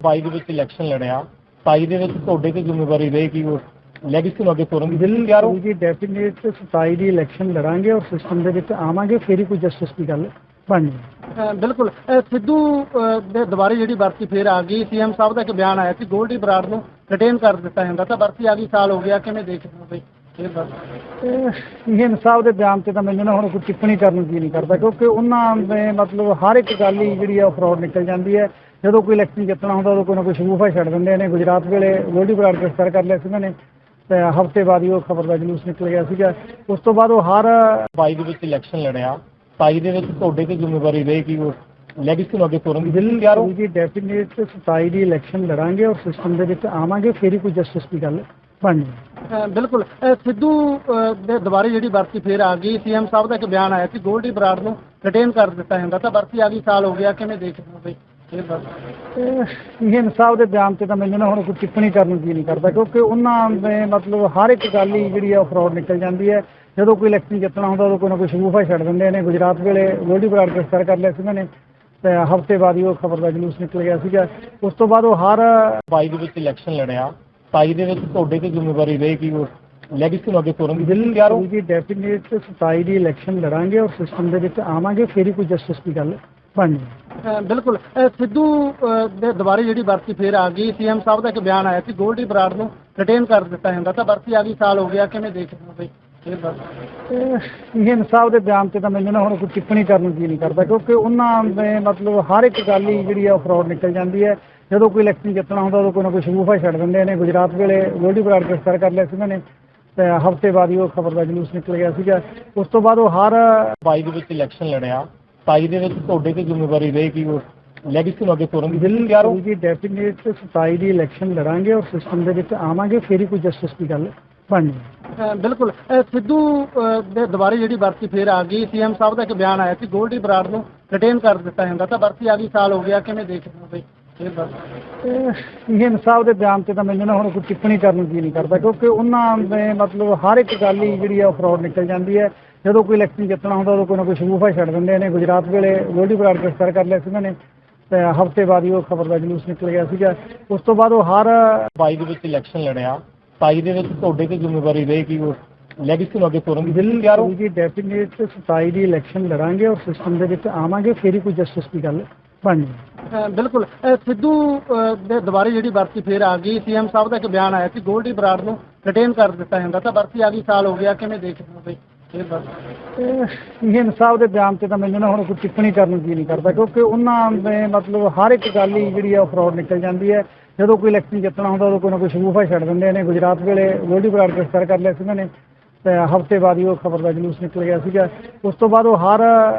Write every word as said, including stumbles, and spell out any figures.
ਬਾਈ ਦੇ ਵਿੱਚ ਇਲੈਕਸ਼ਨ ਲੜਿਆ, ਸਤਾਈ ਦੇ ਵਿੱਚ ਤੁਹਾਡੇ ਤੇ ਜ਼ਿੰਮੇਵਾਰੀ ਰਹੇਗੀ ਉਹ ਲੈਗੇਸੀ ਨੂੰ ਅੱਗੇ ਤੋਰਨ ਦੀ। ਬਿੱਲ ਤਿਆਰ ਹੋ ਜੀ ਡੈਫੀਨੇਟ ਸਤਾਈ ਦੀ ਇਲੈਕਸ਼ਨ ਲੜਾਂਗੇ ਔਰ ਸਿਸਟਮ ਦੇ ਵਿੱਚ ਆਵਾਂਗੇ, ਫਿਰ ਹੀ ਕੋਈ ਜਸਟਿਸ ਦੀ ਗੱਲ ਬਣਨੀ। ਅ, ਬਿਲਕੁਲ ਅ, ਸਿੱਧੂ ਅ, ਦੇ ਦੁਬਾਰੇ ਜਿਹੜੀ ਵਰਤੀ ਫੇਰ ਆ ਗਈ। ਸੀਐਮ ਸਾਹਿਬ ਦਾ ਇੱਕ ਬਿਆਨ ਆਇਆ ਸੀ ਗੋਲਡੀ ਬਰਾੜ ਨੂੰ ਰਿਟੇਨ ਕਰ ਦਿੱਤਾ ਜਾਂਦਾ, ਤਾਂ ਵਰਤੀ ਆ ਗਈ, ਸਾਲ ਹੋ ਗਿਆ, ਕਿਵੇਂ ਦੇਖਦੇ ਹੋ ਬਈ ਇਹ ਵਰਤੀ? ਸੀਐਮ ਸਾਹਿਬ ਦੇ ਬਿਆਨ ਤੇ ਤਾਂ ਮੈਨੂੰ ਨਾ ਹੁਣ ਕੋਈ ਟਿੱਪਣੀ ਕਰਨ ਦੀ ਨਹੀਂ ਕਰਦਾ, ਕਿਉਂਕਿ ਉਹਨਾਂ ਦੇ ਮਤਲਬ ਹਰ ਇੱਕ ਗੱਲ ਹੀ ਜਿਹੜੀ ਆ ਉਹ ਫਰਾਡ ਨਿਕਲ ਜਾਂਦੀ ਹੈ। ਜਦੋਂ ਕੋਈ ਇਲੈਕਸ਼ਨ ਜਿੱਤਣਾ ਹੁੰਦਾ ਉਦੋਂ ਕੋਈ ਨਾ ਕੋਈ ਸ਼ਗੂਫਾ ਛੱਡ ਦਿੰਦੇ ਨੇ। ਗੁਜਰਾਤ ਵੇਲੇ ਗੋਲਡੀ ਬਰਾੜ ਗ੍ਰਿਫਤਾਰ ਕਰ ਲਿਆ ਸੀ ਉਹਨਾਂ ਨੇ, ਤੇ ਹਫ਼ਤੇ ਬਾਅਦ ਹੀ ਉਹ ਖਬਰ ਦਾ ਜਲੂਸ ਨਿਕਲ ਗਿਆ ਸੀਗਾ। ਉਸ ਤੋਂ ਬਾਅਦ ਉਹ ਹਰ ਬਾਈ ਦੇ ਵਿੱਚ ਇਲੈਕਸ਼ਨ ਲੜਿਆ, ਸਤਾਈ ਦੇ ਵਿੱਚ ਤੁਹਾਡੇ ਤੇ ਜ਼ਿੰਮੇਵਾਰੀ ਰਹੇਗੀ ਉਹ ਲੈਗੇਸੀ ਨੂੰ ਅੱਗੇ ਤੋਰਨ ਦੀ। ਬਿੱਲ ਤਿਆਰ ਹੋ ਜੀ ਡੈਫੀਨੇਟ ਸਤਾਈ ਦੀ ਇਲੈਕਸ਼ਨ ਲੜਾਂਗੇ ਔਰ ਸਿਸਟਮ ਦੇ ਵਿੱਚ ਆਵਾਂਗੇ, ਫਿਰ ਹੀ ਕੋਈ ਜਸਟਿਸ ਦੀ ਗੱਲ ਬਣਨੀ। ਅ, ਬਿਲਕੁਲ ਅ, ਸਿੱਧੂ ਅ, ਦੇ ਦੁਬਾਰੇ ਜਿਹੜੀ ਵਰਤੀ ਫੇਰ ਆ ਗਈ। ਸੀਐਮ ਸਾਹਿਬ ਦਾ ਇੱਕ ਬਿਆਨ ਆਇਆ ਸੀ ਗੋਲਡੀ ਬਰਾੜ ਨੂੰ ਰਿਟੇਨ ਕਰ ਦਿੱਤਾ ਜਾਂਦਾ, ਤਾਂ ਵਰਤੀ ਆ ਗਈ, ਸਾਲ ਹੋ ਗਿਆ, ਕਿਵੇਂ ਦੇਖਦੇ ਹੋ ਬਈ ਇਹ ਵਰਤੀ? ਸੀਐਮ ਸਾਹਿਬ ਦੇ ਬਿਆਨ ਤੇ ਤਾਂ ਮੈਨੂੰ ਨਾ ਹੁਣ ਕੋਈ ਟਿੱਪਣੀ ਕਰਨ ਦੀ ਨਹੀਂ ਕਰਦਾ, ਕਿਉਂਕਿ ਉਹਨਾਂ ਦੇ ਮਤਲਬ ਹਰ ਇੱਕ ਗੱਲ ਹੀ ਜਿਹੜੀ ਆ ਉਹ ਫਰਾਡ ਨਿਕਲ ਜਾਂਦੀ ਹੈ। ਜਦੋਂ ਕੋਈ ਇਲੈਕਸ਼ਨ ਜਿੱਤਣਾ ਹੁੰਦਾ ਉਦੋਂ ਕੋਈ ਨਾ ਕੋਈ ਸ਼ਗੂਫਾ ਛੱਡ ਦਿੰਦੇ ਨੇ। ਗੁਜਰਾਤ ਵੇਲੇ ਗੋਲਡੀ ਬਰਾੜ ਗ੍ਰਿਫਤਾਰ ਕਰ ਲਿਆ ਸੀ ਉਹਨਾਂ ਨੇ, ਤੇ ਹਫ਼ਤੇ ਬਾਅਦ ਹੀ ਉਹ ਖਬਰ ਦਾ ਜਲੂਸ ਨਿਕਲ ਗਿਆ ਸੀਗਾ। ਉਸ ਤੋਂ ਬਾਅਦ ਉਹ ਹਰ ਬਾਈ ਦੇ ਵਿੱਚ ਇਲੈਕਸ਼ਨ ਲੜਿਆ, ਸਤਾਈ ਦੇ ਵਿੱਚ ਤੁਹਾਡੇ ਤੇ ਜ਼ਿੰਮੇਵਾਰੀ ਰਹੇਗੀ ਉਹ ਲੈਗੇਸੀ ਨੂੰ ਅੱਗੇ ਤੋਰਨ ਦੀ। ਬਿੱਲ ਤਿਆਰ ਹੋ ਜੀ ਡੈਫੀਨੇਟ ਸਤਾਈ ਦੀ ਇਲੈਕਸ਼ਨ ਲੜਾਂਗੇ ਔਰ ਸਿਸਟਮ ਦੇ ਵਿੱਚ ਆਵਾਂਗੇ, ਫਿਰ ਹੀ ਕੋਈ ਜਸਟਿਸ ਦੀ ਗੱਲ ਬਣਨੀ। ਅ, ਬਿਲਕੁਲ ਅ, ਸਿੱਧੂ ਅ, ਦੇ ਦੁਬਾਰੇ ਜਿਹੜੀ ਵਰਤੀ ਫੇਰ ਆ ਗਈ। ਸੀਐਮ ਸਾਹਿਬ ਦਾ ਇੱਕ ਬਿਆਨ ਆਇਆ ਸੀ ਗੋਲਡੀ ਬਰਾੜ ਨੂੰ ਰਿਟੇਨ ਕਰ ਦਿੱਤਾ ਜਾਂਦਾ, ਤਾਂ ਵਰਤੀ ਆ ਗਈ, ਸਾਲ ਹੋ ਗਿਆ, ਕਿਵੇਂ ਦੇਖਦੇ ਹੋ ਬਈ ਇਹ ਵਰਤੀ? ਸੀਐਮ ਸਾਹਿਬ ਦੇ ਬਿਆਨ ਤੇ ਤਾਂ ਮੈਨੂੰ ਨਾ ਹੁਣ ਕੋਈ ਟਿੱਪਣੀ ਕਰਨ ਦੀ ਨਹੀਂ ਕਰਦਾ, ਕਿਉਂਕਿ ਉਹਨਾਂ ਦੇ ਮਤਲਬ ਹਰ ਇੱਕ ਗੱਲ ਹੀ ਜਿਹੜੀ ਆ ਉਹ ਫਰਾਡ ਨਿਕਲ ਜਾਂਦੀ ਹੈ। ਜਦੋਂ ਕੋਈ ਇਲੈਕਸ਼ਨ ਜਿੱਤਣਾ ਹੁੰਦਾ ਉਦੋਂ ਕੋਈ ਨਾ ਕੋਈ ਸ਼ਗੂਫਾ ਛੱਡ ਦਿੰਦੇ ਨੇ। ਗੁਜਰਾਤ ਵੇਲੇ ਗੋਲਡੀ ਬਰਾੜ ਗ੍ਰਿਫਤਾਰ ਕਰ ਲਿਆ ਸੀ ਉਹਨਾਂ ਨੇ, ਤੇ ਹਫ਼ਤੇ ਬਾਅਦ ਹੀ ਉਹ ਖਬਰ ਦਾ ਜਲੂਸ ਨਿਕਲ ਗਿਆ ਸੀਗਾ। ਉਸ ਤੋਂ ਬਾਅਦ ਉਹ ਹਰ ਬਾਈ ਦੇ ਵਿੱਚ ਇਲੈਕਸ਼ਨ ਲੜਿਆ, ਸਤਾਈ ਦੇ ਵਿੱਚ ਤੁਹਾਡੇ ਤੇ ਜ਼ਿੰਮੇਵਾਰੀ ਰਹੇਗੀ ਉਹ ਲੈਗੇਸੀ ਨੂੰ ਅੱਗੇ ਤੋਰਨ ਦੀ। ਬਿੱਲ ਤਿਆਰ ਹੋ ਜੀ ਡੈਫੀਨੇਟ ਸਤਾਈ ਦੀ ਇਲੈਕਸ਼ਨ ਲੜਾਂਗੇ ਔਰ ਸਿਸਟਮ ਦੇ ਵਿੱਚ ਆਵਾਂਗੇ, ਫਿਰ ਹੀ ਕੋਈ ਜਸਟਿਸ ਦੀ ਗੱਲ ਬਣਨੀ। ਅ, ਬਿਲਕੁਲ ਅ, ਸਿੱਧੂ ਅ, ਦੇ ਦੁਬਾਰੇ ਜਿਹੜੀ ਵਰਤੀ ਫੇਰ ਆ ਗਈ। ਸੀਐਮ ਸਾਹਿਬ ਦਾ ਇੱਕ ਬਿਆਨ ਆਇਆ ਸੀ ਗੋਲਡੀ ਬਰਾੜ ਨੂੰ ਰਿਟੇਨ ਕਰ ਦਿੱਤਾ ਜਾਂਦਾ, ਤਾਂ ਵਰਤੀ ਆ ਗਈ, ਸਾਲ ਹੋ ਗਿਆ, ਕਿਵੇਂ ਦੇਖਦੇ ਹੋ ਬਈ ਇਹ ਵਰਤੀ? ਸੀਐਮ ਸਾਹਿਬ ਦੇ ਬਿਆਨ ਤੇ ਤਾਂ ਮੈਨੂੰ ਨਾ ਹੁਣ ਕੋਈ ਟਿੱਪਣੀ ਕਰਨ ਦੀ ਨਹੀਂ ਕਰਦਾ, ਕਿਉਂਕਿ ਉਹਨਾਂ ਦੇ ਮਤਲਬ ਹਰ ਇੱਕ ਗੱਲ ਹੀ ਜਿਹੜੀ ਆ ਉਹ ਫਰਾਡ ਨਿਕਲ ਜਾਂਦੀ ਹੈ। ਜਦੋਂ ਕੋਈ ਇਲੈਕਸ਼ਨ ਜਿੱਤਣਾ ਹੁੰਦਾ ਉਦੋਂ ਕੋਈ ਨਾ ਕੋਈ ਸ਼ਗੂਫਾ ਛੱਡ ਦਿੰਦੇ ਨੇ। ਗੁਜਰਾਤ ਵੇਲੇ ਗੋਲਡੀ ਬਰਾੜ ਗ੍ਰਿਫਤਾਰ ਕਰ ਲਿਆ ਸੀ ਉਹਨਾਂ ਨੇ, ਤੇ ਹਫ਼ਤੇ ਬਾਅਦ ਹੀ ਉਹ ਖਬਰ ਦਾ ਜਲੂਸ ਨਿਕਲ ਗਿਆ ਸੀਗਾ। ਉਸ ਤੋਂ ਬਾਅਦ ਉਹ ਹਰ ਬਾਈ ਦੇ ਵਿੱਚ ਇਲੈਕਸ਼ਨ ਲੜਿਆ, ਸਤਾਈ ਦੇ ਵਿੱਚ ਤੁਹਾਡੇ ਤੇ ਜ਼ਿੰਮੇਵਾਰੀ ਰਹੇਗੀ ਉਹ ਲੈਗੇਸੀ ਨੂੰ ਅੱਗੇ ਤੋਰਨ ਦੀ। ਬਿੱਲ ਤਿਆਰ ਹੋ ਜੀ ਡੈਫੀਨੇਟ ਸਤਾਈ ਦੀ ਇਲੈਕਸ਼ਨ ਲੜਾਂਗੇ ਔਰ ਸਿਸਟਮ ਦੇ ਵਿੱਚ ਆਵਾਂਗੇ, ਫਿਰ ਹੀ ਕੋਈ ਜਸਟਿਸ ਦੀ ਗੱਲ ਬਣਨੀ। ਅ, ਬਿਲਕੁਲ ਅ, ਸਿੱਧੂ ਅ, ਦੇ ਦੁਬਾਰੇ ਜਿਹੜੀ ਵਰਤੀ ਫੇਰ ਆ ਗਈ। ਸੀਐਮ ਸਾਹਿਬ ਦਾ ਇੱਕ ਬਿਆਨ ਆਇਆ ਸੀ ਗੋਲਡੀ ਬਰਾੜ ਨੂੰ ਰਿਟੇਨ ਕਰ ਦਿੱਤਾ ਜਾਂਦਾ, ਤਾਂ ਵਰਤੀ ਆ ਗਈ, ਸਾਲ ਹੋ ਗਿਆ, ਕਿਵੇਂ ਦੇਖਦੇ ਹੋ ਬਈ ਇਹ ਵਰਤੀ? ਸੀਐਮ ਸਾਹਿਬ ਦੇ ਬਿਆਨ ਤੇ ਤਾਂ ਮੈਨੂੰ ਨਾ ਹੁਣ ਕੋਈ ਟਿੱਪਣੀ ਕਰਨ ਦੀ ਨਹੀਂ ਕਰਦਾ, ਕਿਉਂਕਿ ਉਹਨਾਂ ਦੇ ਮਤਲਬ ਹਰ ਇੱਕ ਗੱਲ ਹੀ ਜਿਹੜੀ ਆ ਉਹ ਫਰਾਡ ਨਿਕਲ ਜਾਂਦੀ ਹੈ। ਜਦੋਂ ਕੋਈ ਇਲੈਕਸ਼ਨ ਜਿੱਤਣਾ ਹੁੰਦਾ ਉਦੋਂ ਕੋਈ ਨਾ ਕੋਈ ਸ਼ਗੂਫਾ ਛੱਡ ਦਿੰਦੇ ਨੇ। ਗੁਜਰਾਤ ਵੇਲੇ ਗੋਲਡੀ ਬਰਾੜ ਗ੍ਰਿਫਤਾਰ ਕਰ ਲਿਆ ਸੀ ਉਹਨਾਂ ਨੇ, ਤੇ ਹਫ਼ਤੇ ਬਾਅਦ ਹੀ ਉਹ ਖਬਰ ਦਾ ਜਲੂਸ ਨਿਕਲ ਗਿਆ ਸੀਗਾ। ਉਸ ਤੋਂ ਬਾਅਦ ਉਹ ਹਰ